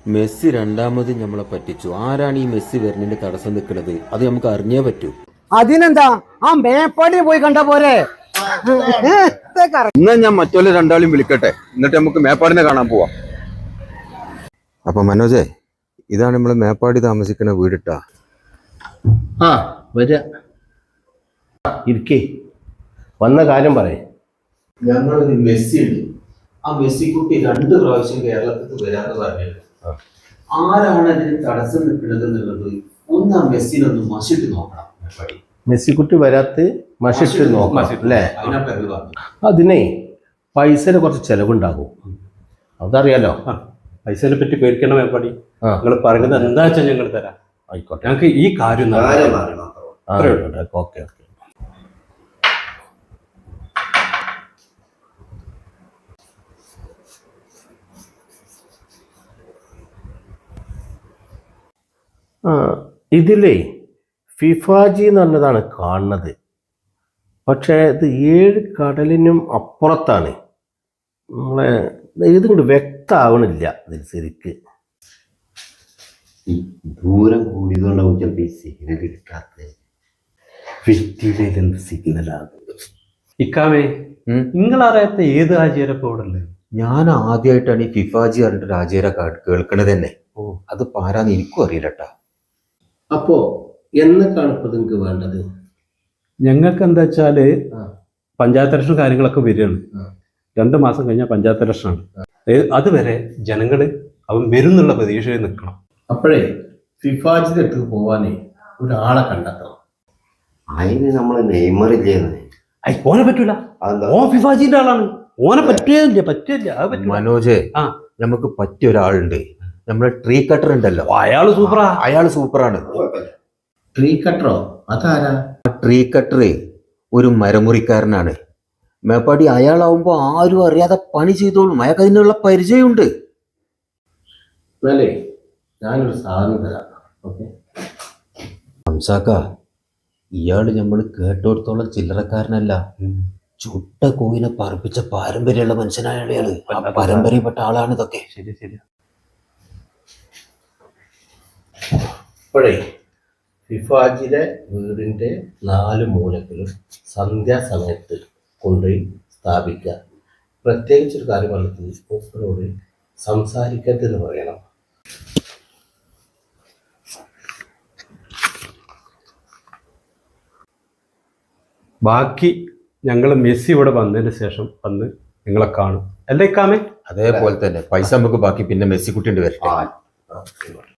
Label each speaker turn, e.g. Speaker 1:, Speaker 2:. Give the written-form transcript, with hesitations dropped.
Speaker 1: Messi രണ്ടാമത് നമ്മളെ പറ്റിച്ചു. ആരാണ് ഈ മെസ്സി വരുന്നതിന്റെ തടസ്സം നിൽക്കുന്നത്? അത് നമുക്ക് അറിഞ്ഞേ പറ്റൂ.
Speaker 2: അതിനെന്താ, ആ മേപ്പാടി പോയി കണ്ട പോരെ.
Speaker 1: എന്നാ ഞാൻ മറ്റുള്ള രണ്ടാളും വിളിക്കട്ടെ, എന്നിട്ട് നമുക്ക് മേപ്പാടിനെ കാണാൻ പോവാം. അപ്പൊ മനോജേ, ഇതാണ് നമ്മള് മേപ്പാടി താമസിക്കുന്ന വീടിട്ടാ.
Speaker 3: ആ വരിക, ഇരിക്കേ, വന്ന കാര്യം പറയേ.
Speaker 1: ഞങ്ങളൊരു മെസ്സി ഉണ്ട്. ആ മെസ്സി കുട്ടി 2 പ്രാവശ്യം കേരളത്തിൽ വരാന്ന് പറഞ്ഞത്. ആരാണ് അതിന് തടസ്സം നിൽക്കുന്നത് എന്നുള്ളത് ഒന്ന് ആ മെസ്സിനൊന്ന് മഷിട്ട് നോക്കണം.
Speaker 3: മെസ്സിക്കുട്ടി വരാത്ത മഷിട്ട് നോക്കണം അല്ലേ? അതിനെ പൈസയുടെ കുറച്ച് ചെലവുണ്ടാകും, അതറിയാലോ.
Speaker 4: പൈസയെ പറ്റി പേടിക്കണം മേപ്പാടി. നിങ്ങൾ പറയുന്നത് എന്താ വെച്ചാൽ ഞങ്ങൾ തരാം.
Speaker 3: ആയിക്കോട്ടെ,
Speaker 4: ഞങ്ങൾക്ക് ഈ കാര്യം
Speaker 3: ഓക്കെ. ഇതിലേ ഫിഫാജി എന്ന് പറഞ്ഞതാണ് കാണുന്നത്. പക്ഷേ ഇത് 7 കടലിനും അപ്പുറത്താണ്. നമ്മളെ ഇതിങ്ങോട്ട് വ്യക്തമാവണില്ല ഇതിൽ ശരിക്ക്.
Speaker 5: ദൂരം കൂടിയതുകൊണ്ടാവും ചിലപ്പോൾ ഈ സിഗ്നൽ കിട്ടാത്തത്.
Speaker 4: എന്ത് സിഗ്നലാകും ഇക്കാമേ? നിങ്ങളറിയാത്ത ഏത് ആചാരപ്പോ ഇവിടെ ഉള്ളത്?
Speaker 1: ഞാൻ ആദ്യമായിട്ടാണ് ഈ ഫിഫാജി പറഞ്ഞിട്ട് രാജേര കേൾക്കണത് തന്നെ. അത് പാരാന്ന് എനിക്കും അറിയില്ലട്ടാ.
Speaker 3: അപ്പോ എന്നൊക്കെയാണ് ഇപ്പൊ നിങ്ങൾക്ക് വേണ്ടത്?
Speaker 4: ഞങ്ങൾക്ക് എന്താ വെച്ചാല് പഞ്ചായത്ത് ഇലക്ഷൻ കാര്യങ്ങളൊക്കെ വരികയാണ്. 2 മാസം കഴിഞ്ഞാൽ പഞ്ചായത്ത് ഇലക്ഷനാണ്. അതുവരെ ജനങ്ങള് അവൻ വരുന്നുള്ള പ്രതീക്ഷയിൽ നിൽക്കണം.
Speaker 3: അപ്പോഴേ ഫിഫാജിന്റെ അടുത്ത് പോവാനേ ഒരാളെ കണ്ടെത്തണം.
Speaker 5: അതിന് നമ്മൾ നെയ്മറില്ലേന്ന്.
Speaker 4: ഓനെ പറ്റൂല, ഓൻ ഫിഫാജിന്റെ ആളാണ്. ഓനെ പറ്റില്ല.
Speaker 1: മനോജ്, നമുക്ക് പറ്റിയ ഒരാളുണ്ട്. നമ്മളെ ട്രീ കട്ടർ ഉണ്ടല്ലോ, അയാള് സൂപ്പറാണ്.
Speaker 3: ട്രീ കട്ടറോ? അതാരാ?
Speaker 1: ട്രീ കട്ടർ ഒരു മരമുറിക്കാരനാണ്. മേപ്പാടി അയാളാവുമ്പോ ആരും അറിയാതെ പണി ചെയ്തോളും. അയാൾക്ക് അതിനുള്ള പരിചയമുണ്ട്.
Speaker 3: എന്നാലേ ഞാനൊരു സാധനം തരാം. ഓക്കെ
Speaker 1: ഹംസാക്ക, ഇയാള് നമ്മൾ കേട്ടോടത്തോളം ചില്ലറക്കാരനല്ല. ചുട്ട കോയിനെ പറപ്പിച്ച പാരമ്പര്യമുള്ള മനുഷ്യനായ അയാള്. ആ പാരമ്പര്യപ്പെട്ട ആളാണ് ഇതൊക്കെ.
Speaker 4: ശരി.
Speaker 3: ഇപ്പോഴേ ഫിഫാജിലെ വീടിൻ്റെ 4 മൂലക്കിലും സന്ധ്യാസമയത്ത് കൊണ്ടുപോയി സ്ഥാപിക്കുക. പ്രത്യേകിച്ചൊരു കാര്യം പറഞ്ഞത് മൂപ്പരോട് സംസാരിക്കരുതെന്ന് പറയണം.
Speaker 4: ബാക്കി ഞങ്ങൾ മെസ്സി ഇവിടെ വന്നതിന് ശേഷം വന്ന് നിങ്ങളെ കാണും അല്ലേ കാമേ?
Speaker 1: അതേപോലെ തന്നെ പൈസ നമുക്ക് ബാക്കി പിന്നെ മെസ്സിക്കുട്ടിണ്ട് വരട്ടെ.